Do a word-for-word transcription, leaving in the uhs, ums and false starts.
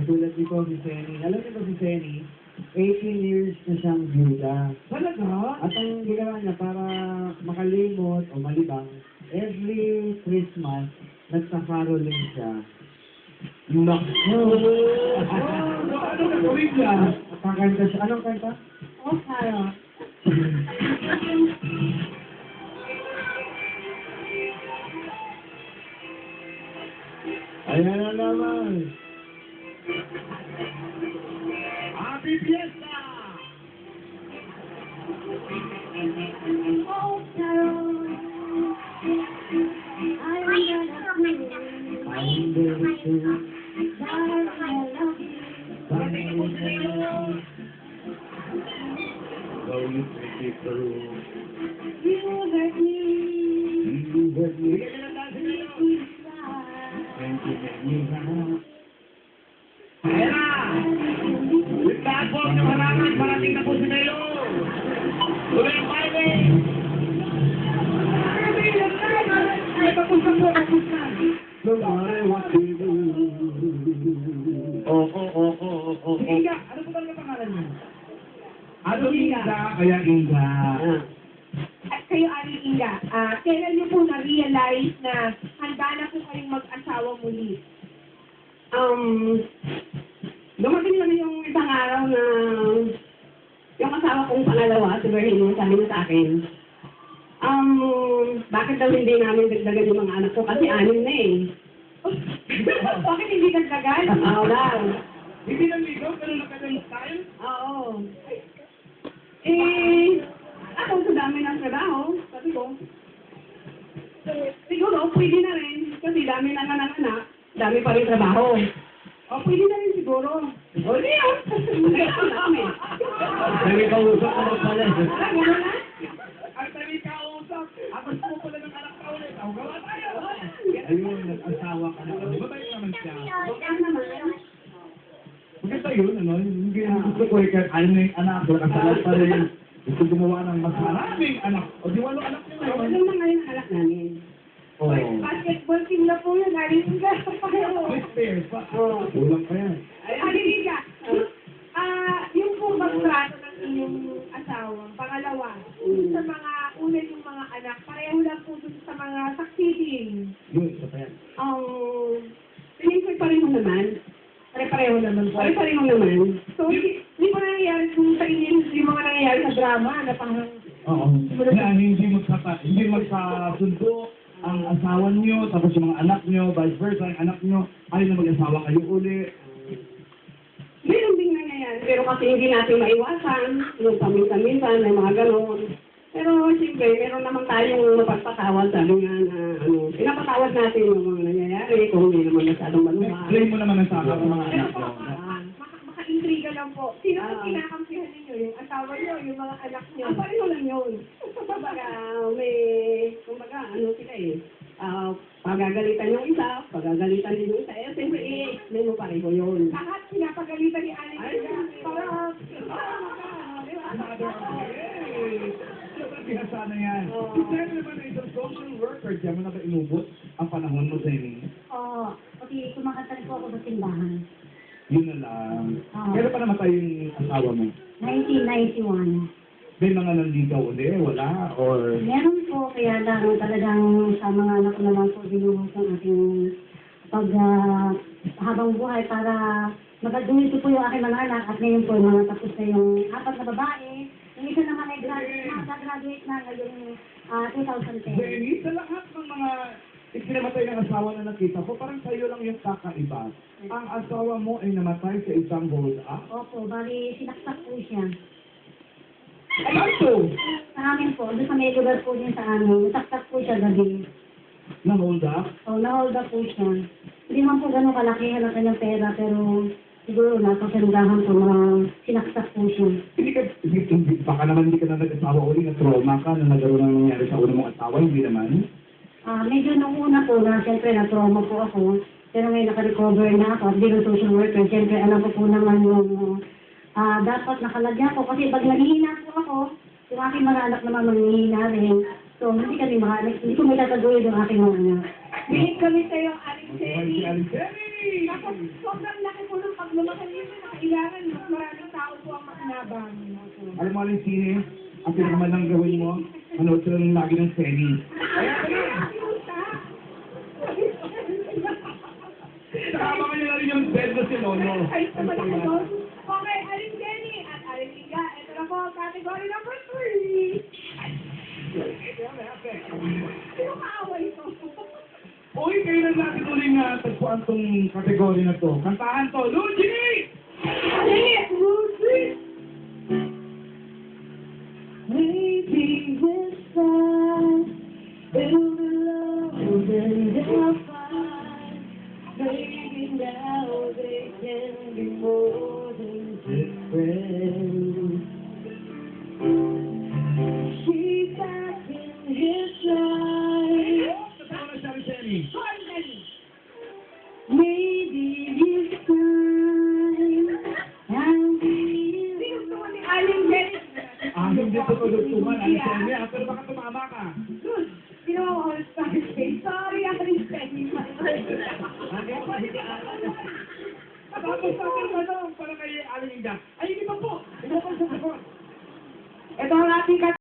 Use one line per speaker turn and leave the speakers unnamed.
katulad nito si Senny. Alam niyo ba si Senny? eighteen years na siyang byuda.
Talaga?
At ang ginawa niya para makalimot o malibang, every Christmas, nagsa-caroling siya.
Naku! Ano na gawin niya?
Kakanta siya. Anong kanta?
Oh, Carol.
Ayan na naman.
Happy Fiesta!
Oh, Carol. I'm gonna sing.
I'm gonna sing.
Darling, I love you.
Though you take it through.
You hurt me.
You hurt me.
Make me cry.
And you make me happy.
Ayan na! With that po, na maraming parating na po si Melo! Tuloy ang baile!
Ay, papunta po, papunta.
No matter what you do. Oh, oh, oh, oh, oh, oh.
Inga, ano po talaga pangalan niyo? Ano Inga? Kaya Inga.
At kayo, Ari Inga, ah, kailan niyo po na-realize na handa na po kayong mag-asawa muli?
Um, dumating lang yung isang araw na yung asawa kong pangalawa, si Berhino, sabi niya sa akin, um, bakit daw hindi namin dagdagan yung mga anak ko kasi anim na eh.
Bakit hindi nagdagan?
Oo daw.
Hindi lang ligaw, pero nakadalok tayo.
Oo. Eh, ako sa dami ng trabaho, sabi ko, siguro pwede na rin kasi dami na anak, dami pa rin trabaho. O, pwede na rin siguro. O, di yun.
May kausap ko na pala.
Ah, gano'n na?
Ang tabi kausap, at gusto mo pala ng anak ka ulit. Ang gawa tayo.
Ayun, nag-asawa ka na.
Di ba tayo naman siya?
Baka naman.
Maganda yun, ano? Hindi ang gusto ko eh, kahit ayaw na yung anak, nakasalat pa rin. Gusto gumawa ng mas marami.
Maraming anak. O di walo anak niyo
Ano
ngayon.
na ngayon ang anak namin?
Oo.
Basketball team na po yun, Ari Inga.
With pairs pa.
Oo.
Kulang pa yan.
Ari Inga, ah, yung po magtrato ng inyong asawa, pangalawa, sa mga una yung mga anak, pareho lang po dun sa mga succeeding.
Yun, isa pa yan.
Um, tingin ko pareho naman.
Pare-pareho naman po.
Pare-pareho naman.
So, hindi, hindi po nangyayari kung sa inyo yung mga nangyayari sa drama na parang
Oo. Na hindi magkaka, hindi magkasundo ang asawa niyo, tapos yung mga anak niyo, vice versa, ang anak niyo, ayaw na mag-asawa kayo uli.
Meron ding nangyayari. Pero kasi hindi natin maiwasan. Yung paminsan-minsan, may mga ganon. Pero siyempre, meron naman tayong mapagpatawad. Sabi nga na, ano, pinapatawad natin yung mga nangyayari kung hindi naman masyadong maluwa.
Blame mo naman ang saka sa mga
Pero
anak
po,
mo.
maka- maka- maka-intriga lang po. Sino po
Ah.
kinakampihan ninyo? Yung asawa niyo, yung mga anak niyo?
Ang pareho lang yun. Kumbaga, may, kumbaga, ano sila eh. Ah, pagagalitan yung isa, pagagalitan din yung isa. Eh, siyempre, eh, may mo pareho yun.
Lahat pinapagalitan ni Alex.
Ay,
Parang,
Mother of Hey! Siyempre, sana yan.
Oo.
Si Jenny naman ay isang social worker. Diyan mo na ba inubot ang panahon mo, Jenny?
Oo. Kasi kumakanta rin po ako sa simbahan.
Yun na lang.
Oo.
Kailan pa namatay yung asawa mo?
nineteen ninety-one.
May mga nandito uli, wala, or...
Meron po, kaya lang talagang sa mga anak ko naman po binuhos ang ating pag ah, habang buhay para magaduhin ko po yung aking mga anak at ngayon po mga tapos na yung apat na babae. Yung isa naman ay graduate na, graduate na ngayong ah, twenty ten.
Jenny, sa lahat ng mga ikinamatay ng asawa na nakita ko, parang sa'yo lang yung kakaiba. Ang asawa mo ay namatay sa isang hold up.
Opo, bali sinaksak po siya.
Ano to?
Sa amin po, doon sa may lugar po din sa amin, nasaksak po siya gabi.
Na hold up?
O, na-hold up po siya. Hindi man po ganun kalaki ang kanyang pera, pero siguro nasa salugahan po na sinaksak po siya.
Hindi ka, hindi, hindi, baka naman hindi ka na nag-asawa uli, na trauma ka, na nagkaroon ng nangyari sa una mong asawa, hindi naman.
Ah, medyo nung una po na, siyempre, na-trauma po ako. Pero ngayon naka-recover na ako at bilang social worker, siyempre, alam ko po naman yung ah, dapat nakalagyan ko. Kasi pag nanghihina po ako, yung aking mga anak naman manghihina rin. So, hindi kami maka, hindi ko may tataguyod yung aking mga anak.
bigit kami sa'yo, Alex
Ay, si
Jenny.
Aliceri!
Tapos, sobrang laki po ng pag lumaki yun na kailangan mas maraming tao po ang makinabang.
Alam mo aling sine, ang pinakamadang gawin mo, manood sila ng lagi ng seni. Kaya kasama niyo na rin yung bed na si Lolo.
Ay, sa malaki. Okay, Aling Jenny at Aling Liga. Ito na po, category number three. Sino kaaway ito?
Uy, kayo na natin uling uh, tagpuan tong kategory na to. Kantahan to, Luigi!
Maybe this time it'll be love and they'll find. Maybe now they can be more than just friends. She's back in his life.
Kasama na siya rin, Jenny.
Maybe this time I'll be
Sino gusto mo ni Aling Jenny?
Ah, hindi ko tulugtuman. Aling Jenny, ah, pero baka tumama ka.
Good. Sino ang all-star stage? Sorry, Aling Jenny.
Tapos sa akin, ano, para kay Aling Inga. Ay, hindi pa po. Hindi pa po sa sagot.
Ito ang ating